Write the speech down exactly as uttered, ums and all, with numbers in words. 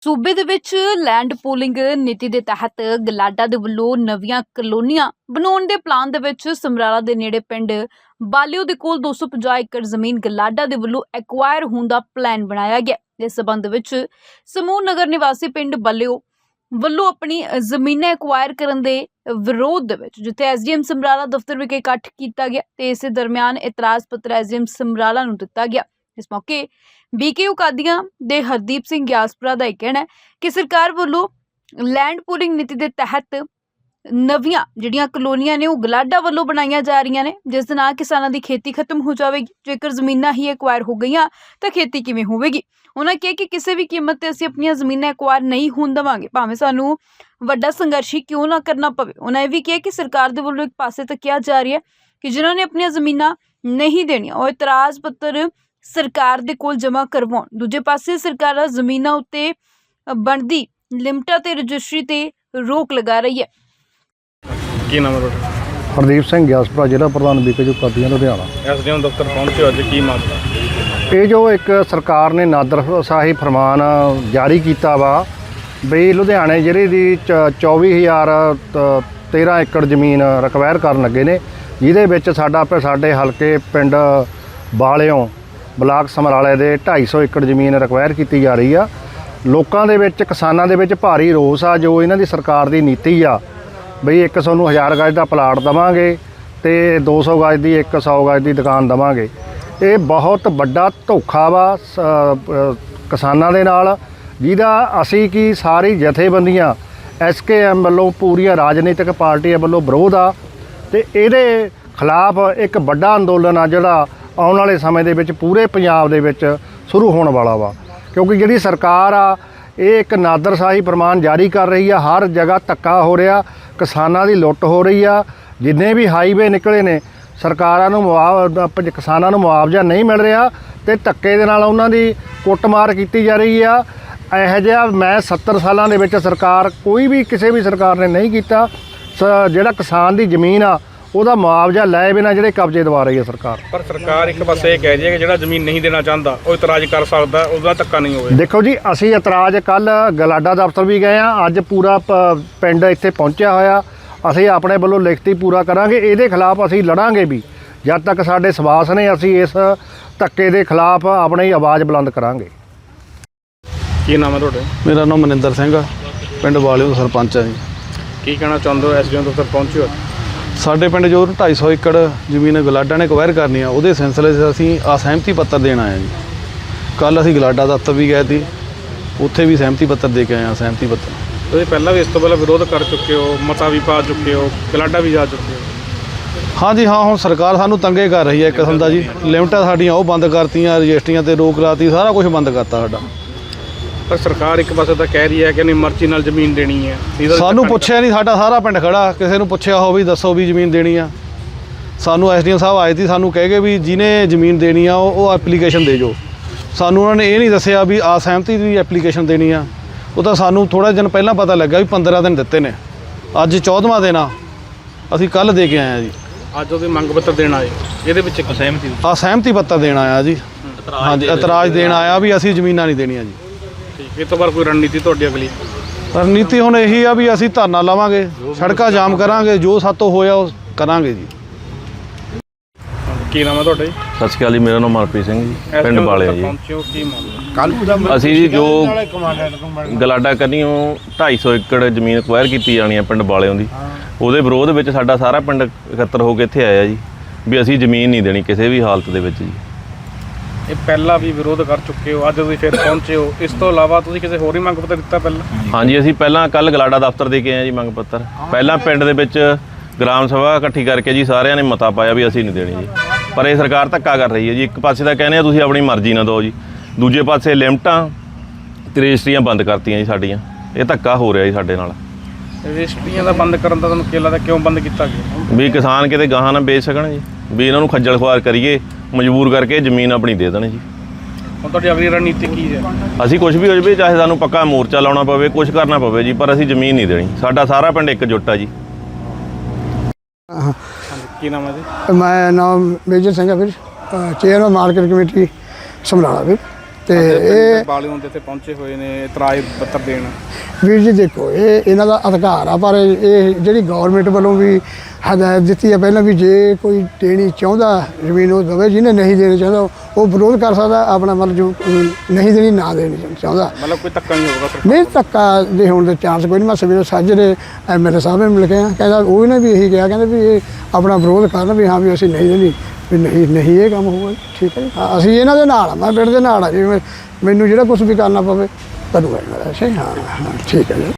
सूबे दे विच land pooling नीति के तहत गलाडा दे वल्लों नवीं कलोनियां बनाउण दे प्लान दे विच समराला दे नेड़े पिंड बालिओ दे कोल दो सौ पचास एकड़ जमीन गलाडा दे वल्लों एक्वायर होण दा प्लान बनाया गया। इस संबंध विच समूह नगर निवासी पिंड बालिओ वल्लों अपनी जमीनें एक्वायर करन दे विरोध दे विच जिथे एस डी एम समराला दफ्तर विखे इकट्ठ किया गया ते इस दरम्यान इतराज पत्र एस डी एम समराला नूं दिता गया। इस मौके बीकेयू कादियां दे हरदीप सिंह ग्यासपुरा का यह कहना है कि सरकार वालों लैंड पूलिंग नीति के तहत नवियां जिहड़ियां कलोनियां ने गलाडा वालों बनाईयां जा रही ने, जिस दे नाल किसानां दी खेती खत्म हो जाएगी। जेकर जमीनां ही एक्वायर हो गईयां तो खेती किवें होवेगी। उन्होंने कहा कि किसी भी कीमत ते असीं अपनियां जमीनां एक्वायर नहीं होण देवांगे, भावें सानूं वड्डा संघर्ष ही क्यों ना करना पवे। उन्होंने भी कहा कि सरकार दे वल्लों एक पासे तो कहा जा रहा है कि जिन्हों ने अपनियां जमीनां नहीं देनियां और इतराज पत्र सरकार दे कोल जमा करवाउण, दूजे पासे सरकार जमीनां उत्ते बनदी लिमटां ते रजिस्ट्री ते रोक लगा रही है। की नाम है ਤੁਹਾਡਾ? हरदीप सिंह ग्यासपुरा जिला प्रधान बीकेयू कादियां लुधियाना। एसडीएम दफ्तर पहुंचे अज की मामला? ये जो एक सरकार ने नादरशाही फरमान जारी किया वा बई लुधियाने जिले की चौबी हज़ार तेरह एकड़ जमीन रिक्वायर करन लगे ने, जिहदे विच साडा साडे हलके पिंड बालिओ ब्लाक समराले दे ढाई सौ एकड़ जमीन रिक्वायर की जा रही आ। लोकां दे विच किसानां दे विच भारी रोस आ जो इन्हां दी सरकार दी नीति आ बई एक सोनू हज़ार गज का प्लाट देवांगे तो दो सौ गज की एक सौ गज की दुकान देवांगे। ये बहुत बड़ा धोखा वा किसानां दे नाल, जिहदा असीं की सारी जथेबंदियां एस के एम वालों पूरिया राजनीतिक पार्टियां वालों विरोध आ ते इहदे खिलाफ एक बड़ा अंदोलन आ जिहड़ा आउण वाले समय दे विच पूरे पंजाब दे विच शुरू होने वाला वा। क्योंकि जिहड़ी सरकार आ ये एक नादरशाही फरमान जारी कर रही है, हर जगह धक्का हो रहा, किसानां दी लुੱਟ हो रही आ। जिन्ने भी हाईवे निकले ने सरकारां नूं मुआवजा किसानां नूं मुआवजा नहीं मिल रहा ते धक्के दे नाल उन्हां दी कुੱਟਮਾਰ की जा रही आ। इहो जिहा मैं सत्तर सालां दे विच सरकार कोई भी किसी भी सरकार ने नहीं कीता। जिहड़ा किसान दी जमीन आ ਉਹਦਾ मुआवजा लै बिना ਜਿਹੜੇ कब्जे दवा रही है सरकार। पर सरकार एक पासे कह रही है कि ਜਿਹੜਾ ਜ਼ਮੀਨ नहीं देना चाहता ਉਹ ਇਤਰਾਜ਼ कर सकता, ਉਹਦਾ ਧੱਕਾ नहीं ਹੋਵੇ। देखो जी ਅਸੀਂ ਇਤਰਾਜ਼ ਕੱਲ ਗਲਾਡਾ ਦਫ਼ਤਰ ਵੀ ਗਏ ਆ, ਅੱਜ ਪੂਰਾ ਪਿੰਡ ਇੱਥੇ ਪਹੁੰਚਿਆ ਹੋਇਆ। ਅਸੀਂ ਆਪਣੇ ਵੱਲੋਂ ਲਿਖਤੀ ਪੂਰਾ ਕਰਾਂਗੇ, ਇਹਦੇ ਖਿਲਾਫ ਅਸੀਂ ਲੜਾਂਗੇ ਵੀ ਜਦ ਤੱਕ ਸਾਡੇ ਸਵਾਸ ਨੇ। ਅਸੀਂ ਇਸ ਧੱਕੇ ਦੇ ਖਿਲਾਫ ਆਪਣੀ ਆਵਾਜ਼ ਬੁਲੰਦ ਕਰਾਂਗੇ। ਕੀ ਨਾਮ ਹੈ ਤੁਹਾਡਾ? मेरा नाम मनिंदर सिंह आ, पिंड बालिओ ਦਾ सरपंच है जी। ਕੀ ਕਹਿਣਾ ਚਾਹੁੰਦੇ ਹੋ? ਐਸਡੀਐਮ ਦਫ਼ਤਰ ਪਹੁੰਚੇ ਹੋ? ਸਾਡੇ ਪਿੰਡ ਜੋ ਢਾਈ ਸੌ ਏਕੜ ਜ਼ਮੀਨ ਗਲਾਡਾ ਨੇ ਅਕਵਾਇਰ ਕਰਨੀ ਆ, ਉਹਦੇ ਸਿਲਸਿਲੇ 'ਚ ਅਸੀਂ ਆ ਸਹਿਮਤੀ ਪੱਤਰ ਦੇਣ ਆਏ ਹਾਂ ਜੀ। ਕੱਲ੍ਹ ਅਸੀਂ ਗਲਾਡਾ ਦਫ਼ਤਰ ਵੀ ਗਏ ਸੀ, ਉੱਥੇ ਵੀ ਸਹਿਮਤੀ ਪੱਤਰ ਦੇ ਕੇ ਆਏ ਹਾਂ। ਸਹਿਮਤੀ ਪੱਤਰ ਤੁਸੀਂ ਪਹਿਲਾਂ ਵੀ ਇਸ ਤੋਂ ਪਹਿਲਾਂ ਵਿਰੋਧ ਕਰ ਚੁੱਕੇ ਹੋ, ਮਤਾ ਵੀ ਪਾ ਚੁੱਕੇ ਹੋ, ਗਲਾਡਾ ਵੀ ਜਾ ਚੁੱਕੇ ਹੋ। ਹਾਂਜੀ ਹਾਂ, ਹੁਣ ਸਰਕਾਰ ਸਾਨੂੰ ਤੰਗੇ ਕਰ ਰਹੀ ਹੈ ਇੱਕ ਕਿਸਮ ਦਾ ਜੀ। ਲਿਮਟਾਂ ਸਾਡੀਆਂ ਉਹ ਬੰਦ ਕਰਤੀਆਂ, ਰਜਿਸਟਰੀਆਂ 'ਤੇ ਰੋਕ ਲਾਤੀ, ਸਾਰਾ ਕੁਝ ਬੰਦ ਕਰਤਾ ਸਾਡਾ। ਪਰ ਸਰਕਾਰ ਇੱਕ ਪਾਸੇ ਤਾਂ ਕਹਿ ਰਹੀ ਹੈ ਕਿ ਨਹੀਂ ਮਰਜ਼ੀ ਨਾਲ ਜ਼ਮੀਨ ਦੇਣੀ ਹੈ। ਸਾਨੂੰ ਪੁੱਛਿਆ ਨਹੀਂ, ਸਾਡਾ ਸਾਰਾ ਪਿੰਡ ਖੜਾ, ਕਿਸੇ ਨੂੰ ਪੁੱਛਿਆ ਹੋ ਵੀ ਦੱਸੋ ਵੀ ਜ਼ਮੀਨ ਦੇਣੀ ਆ। ਸਾਨੂੰ ਐਸ ਡੀ ਐਮ ਸਾਹਿਬ ਆਏ ਸੀ, ਸਾਨੂੰ ਕਹਿ ਗਏ ਵੀ ਜਿਹਨੇ ਜ਼ਮੀਨ ਦੇਣੀ ਆ ਉਹ ਉਹ ਐਪਲੀਕੇਸ਼ਨ ਦੇ ਜੋ। ਸਾਨੂੰ ਉਹਨਾਂ ਨੇ ਇਹ ਨਹੀਂ ਦੱਸਿਆ ਵੀ ਆ ਸਹਿਮਤੀ ਦੀ ਐਪਲੀਕੇਸ਼ਨ ਦੇਣੀ ਆ। ਉਹ ਤਾਂ ਸਾਨੂੰ ਥੋੜ੍ਹਾ ਦਿਨ ਪਹਿਲਾਂ ਪਤਾ ਲੱਗਾ ਵੀ ਪੰਦਰਾਂ ਦਿਨ ਦਿੱਤੇ ਨੇ, ਅੱਜ ਚੌਦਵਾਂ ਦਿਨ ਆ। ਅਸੀਂ ਕੱਲ੍ਹ ਦੇ ਕੇ ਆਏ ਹਾਂ ਜੀ। ਅੱਜ ਉਹਦੇ ਮੰਗ ਪੱਤਰ ਦੇਣ ਆਏ, ਇਹਦੇ ਵਿੱਚ ਇੱਕ ਸਹਿਮਤੀ ਆ ਸਹਿਮਤੀ ਪੱਤਰ ਦੇਣ ਆਇਆ ਜੀ। ਹਾਂਜੀ, ਇਤਰਾਜ਼ ਦੇਣ ਆਇਆ ਵੀ ਅਸੀਂ ਜ਼ਮੀਨਾਂ ਨਹੀਂ ਦੇਣੀਆਂ ਜੀ। ਇਹ ਤੋਂ ਬਾਅਦ ਕੋਈ ਰਣਨੀਤੀ ਤੁਹਾਡੀ ਅਗਲੀ? ਰਣਨੀਤੀ ਹੁਣ ਇਹੀ ਆ ਵੀ ਅਸੀਂ ਧਰਨਾ ਲਾਵਾਂਗੇ, ਸੜਕਾਂ ਜਾਮ ਕਰਾਂਗੇ, ਜੋ ਸਾਤੋਂ ਹੋਇਆ ਉਹ ਕਰਾਂਗੇ ਜੀ। ਕੀ ਨਾਮ ਹੈ ਤੁਹਾਡਾ ਜੀ? ਸਤਿ ਸ਼੍ਰੀ ਅਕਾਲ ਜੀ, ਮੇਰਾ ਨਾਮ ਮਨਪ੍ਰੀਤ ਸਿੰਘ ਜੀ, ਪਿੰਡ ਬਾਲਿਆ ਜੀ। ਪਹੁੰਚਿਓ ਕੀ ਮਾਮਲਾ? ਅਸੀਂ ਜੀ ਜੋ ਗਲਾਡਾ ਕਰਨੀਓ ਢਾਈ ਸੌ ਏਕੜ ਜ਼ਮੀਨ ਅਕਵਾਇਰ ਕੀਤੀ ਜਾਣੀ ਹੈ ਪਿੰਡ ਬਾਲਿਆਂ ਦੀ, ਉਹਦੇ ਵਿਰੋਧ ਵਿੱਚ ਸਾਡਾ ਸਾਰਾ ਪਿੰਡ ਇਕੱਤਰ ਹੋ ਕੇ ਇੱਥੇ ਆਇਆ ਜੀ ਵੀ ਅਸੀਂ ਜ਼ਮੀਨ ਨਹੀਂ ਦੇਣੀ ਕਿਸੇ ਵੀ ਹਾਲਤ ਦੇ ਵਿੱਚ ਜੀ। ਇਹ ਪਹਿਲਾਂ ਵੀ ਵਿਰੋਧ ਕਰ ਚੁੱਕੇ ਹੋ, ਅੱਜ ਤੁਸੀਂ ਫਿਰ ਪਹੁੰਚੇ ਹੋ। ਇਸ ਤੋਂ ਇਲਾਵਾ ਤੁਸੀਂ ਕਿਸੇ ਹੋਰ ਹੀ ਮੰਗ ਪੱਤਰ ਦਿੱਤਾ ਪਹਿਲਾਂ? ਹਾਂਜੀ, ਅਸੀਂ ਪਹਿਲਾਂ ਕੱਲ੍ਹ ਗਲਾਡਾ ਦਫ਼ਤਰ ਦੇ ਕੇ ਆਏ ਜੀ ਮੰਗ ਪੱਤਰ। ਪਹਿਲਾਂ ਪਿੰਡ ਦੇ ਵਿੱਚ ਗ੍ਰਾਮ ਸਭਾ ਇਕੱਠੀ ਕਰਕੇ ਜੀ ਸਾਰਿਆਂ ਨੇ ਮਤਾ ਪਾਇਆ ਵੀ ਅਸੀਂ ਨਹੀਂ ਦੇਣੀ ਜੀ। ਪਰ ਇਹ ਸਰਕਾਰ ਧੱਕਾ ਕਰ ਰਹੀ ਹੈ ਜੀ। ਇੱਕ ਪਾਸੇ ਤਾਂ ਕਹਿੰਦੇ ਆ ਤੁਸੀਂ ਆਪਣੀ ਮਰਜ਼ੀ ਨਾਲ ਦਿਓ ਜੀ, ਦੂਜੇ ਪਾਸੇ ਲਿਮਟਾਂ ਤੇ ਰਜਿਸਟਰੀਆਂ ਬੰਦ ਕਰਤੀਆਂ ਜੀ ਸਾਡੀਆਂ। ਇਹ ਧੱਕਾ ਹੋ ਰਿਹਾ ਜੀ ਸਾਡੇ ਨਾਲ। ਰਜਿਸਟਰੀਆਂ ਦਾ ਬੰਦ ਕਰਨ ਦਾ ਤੁਹਾਨੂੰ ਕੀ ਲੱਗਦਾ, ਕਿਉਂ ਬੰਦ ਕੀਤਾ ਗਿਆ? ਵੀ ਕਿਸਾਨ ਕਿਤੇ ਗਾਹਾਂ ਨਾ ਵੇਚ ਸਕਣ ਜੀ, ਵੀ ਇਹਨਾਂ ਨੂੰ ਖੱਜਲ ਖੁਆਰ ਕਰੀਏ, ਮਜਬੂਰ ਕਰਕੇ ਜ਼ਮੀਨ ਆਪਣੀ ਦੇ ਦੇਣ ਜੀ। ਹੁਣ ਤੁਹਾਡੀ ਅਗਲੀ ਰਣਨੀਤੀ ਕੀ ਹੈ? ਅਸੀਂ ਕੁਝ ਵੀ ਹੋ ਜਾਵੇ, ਚਾਹੇ ਸਾਨੂੰ ਪੱਕਾ ਮੋਰਚਾ ਲਾਉਣਾ ਪਵੇ, ਕੁਝ ਕਰਨਾ ਪਵੇ ਜੀ, ਪਰ ਅਸੀਂ ਜ਼ਮੀਨ ਨਹੀਂ ਦੇਣੀ। ਸਾਡਾ ਸਾਰਾ ਪਿੰਡ ਇੱਕਜੁੱਟ ਆ ਜੀ। ਕੀ ਨਾਮ ਹੈ ਜੀ? ਮੈਂ ਨਾਮ ਮੇਜਰ ਸਿੰਘ ਆ ਵੀਰ, ਚੇਅਰਮੈਨ ਮਾਰਕੀਟ ਕਮੇਟੀ ਸਮਰਾਲਾ ਵੀਰ। ਤੇ ਇਹ ਬਾਲਿਓਂ ਦੇ ਇੱਥੇ ਪਹੁੰਚੇ ਹੋਏ ਨੇ ਇਤਰਾਜ਼ ਪੱਤਰ ਦੇਣ। ਵੀਰ ਜੀ ਦੇਖੋ, ਇਹ ਇਹਨਾਂ ਦਾ ਅਧਿਕਾਰ ਆ, ਪਰ ਇਹ ਜਿਹੜੀ ਗਵਰਨਮੈਂਟ ਵੱਲੋਂ ਵੀ ਹਦਾਇਤ ਦਿੱਤੀ ਹੈ ਪਹਿਲਾਂ ਵੀ ਜੇ ਕੋਈ ਦੇਣੀ ਚਾਹੁੰਦਾ ਜ਼ਮੀਨ ਉਹ ਦੇਵੇ, ਜਿਹਨੇ ਨਹੀਂ ਦੇਣੀ ਚਾਹੁੰਦਾ ਉਹ ਵਿਰੋਧ ਕਰ ਸਕਦਾ ਆਪਣਾ, ਮਤਲਬ ਜੋ ਨਹੀਂ ਦੇਣੀ ਨਾ ਦੇਣੀ ਚਾਹੁੰਦਾ। ਮਤਲਬ ਕੋਈ ਧੱਕਾ ਨਹੀਂ ਹੋਊਗਾ ਸਰ? ਨਹੀਂ, ਧੱਕਾ ਦੇ ਹੋਣ ਦੇ ਚਾਂਸ ਕੋਈ ਨਹੀਂ। ਮੈਂ ਸਵੇਰੇ ਸਾਜਰੇ ਦੇ ਐਮ ਐਲ ਏ ਸਾਹਿਬ ਨੂੰ ਮਿਲ ਕੇ ਆ, ਕਹਿੰਦਾ ਉਹ ਨੇ ਵੀ ਇਹੀ ਕਿਹਾ, ਕਹਿੰਦੇ ਵੀ ਇਹ ਆਪਣਾ ਵਿਰੋਧ ਕਰਨ ਵੀ ਹਾਂ ਵੀ ਅਸੀਂ ਨਹੀਂ ਦੇਣੀ, ਵੀ ਨਹੀਂ ਨਹੀਂ ਇਹ ਕੰਮ ਹੋਊਗਾ। ਠੀਕ ਹੈ ਜੀ, ਹਾਂ ਅਸੀਂ ਇਹਨਾਂ ਦੇ ਨਾਲ ਆ, ਮੈਂ ਪਿੰਡ ਦੇ ਨਾਲ ਆ ਜੀ, ਮੈਨੂੰ ਜਿਹੜਾ ਕੁਝ ਵੀ ਕਰਨਾ ਪਵੇ ਕਰੂਗਾ। ਅੱਛਾ ਹਾਂ ਹਾਂ ਠੀਕ ਹੈ ਜੀ।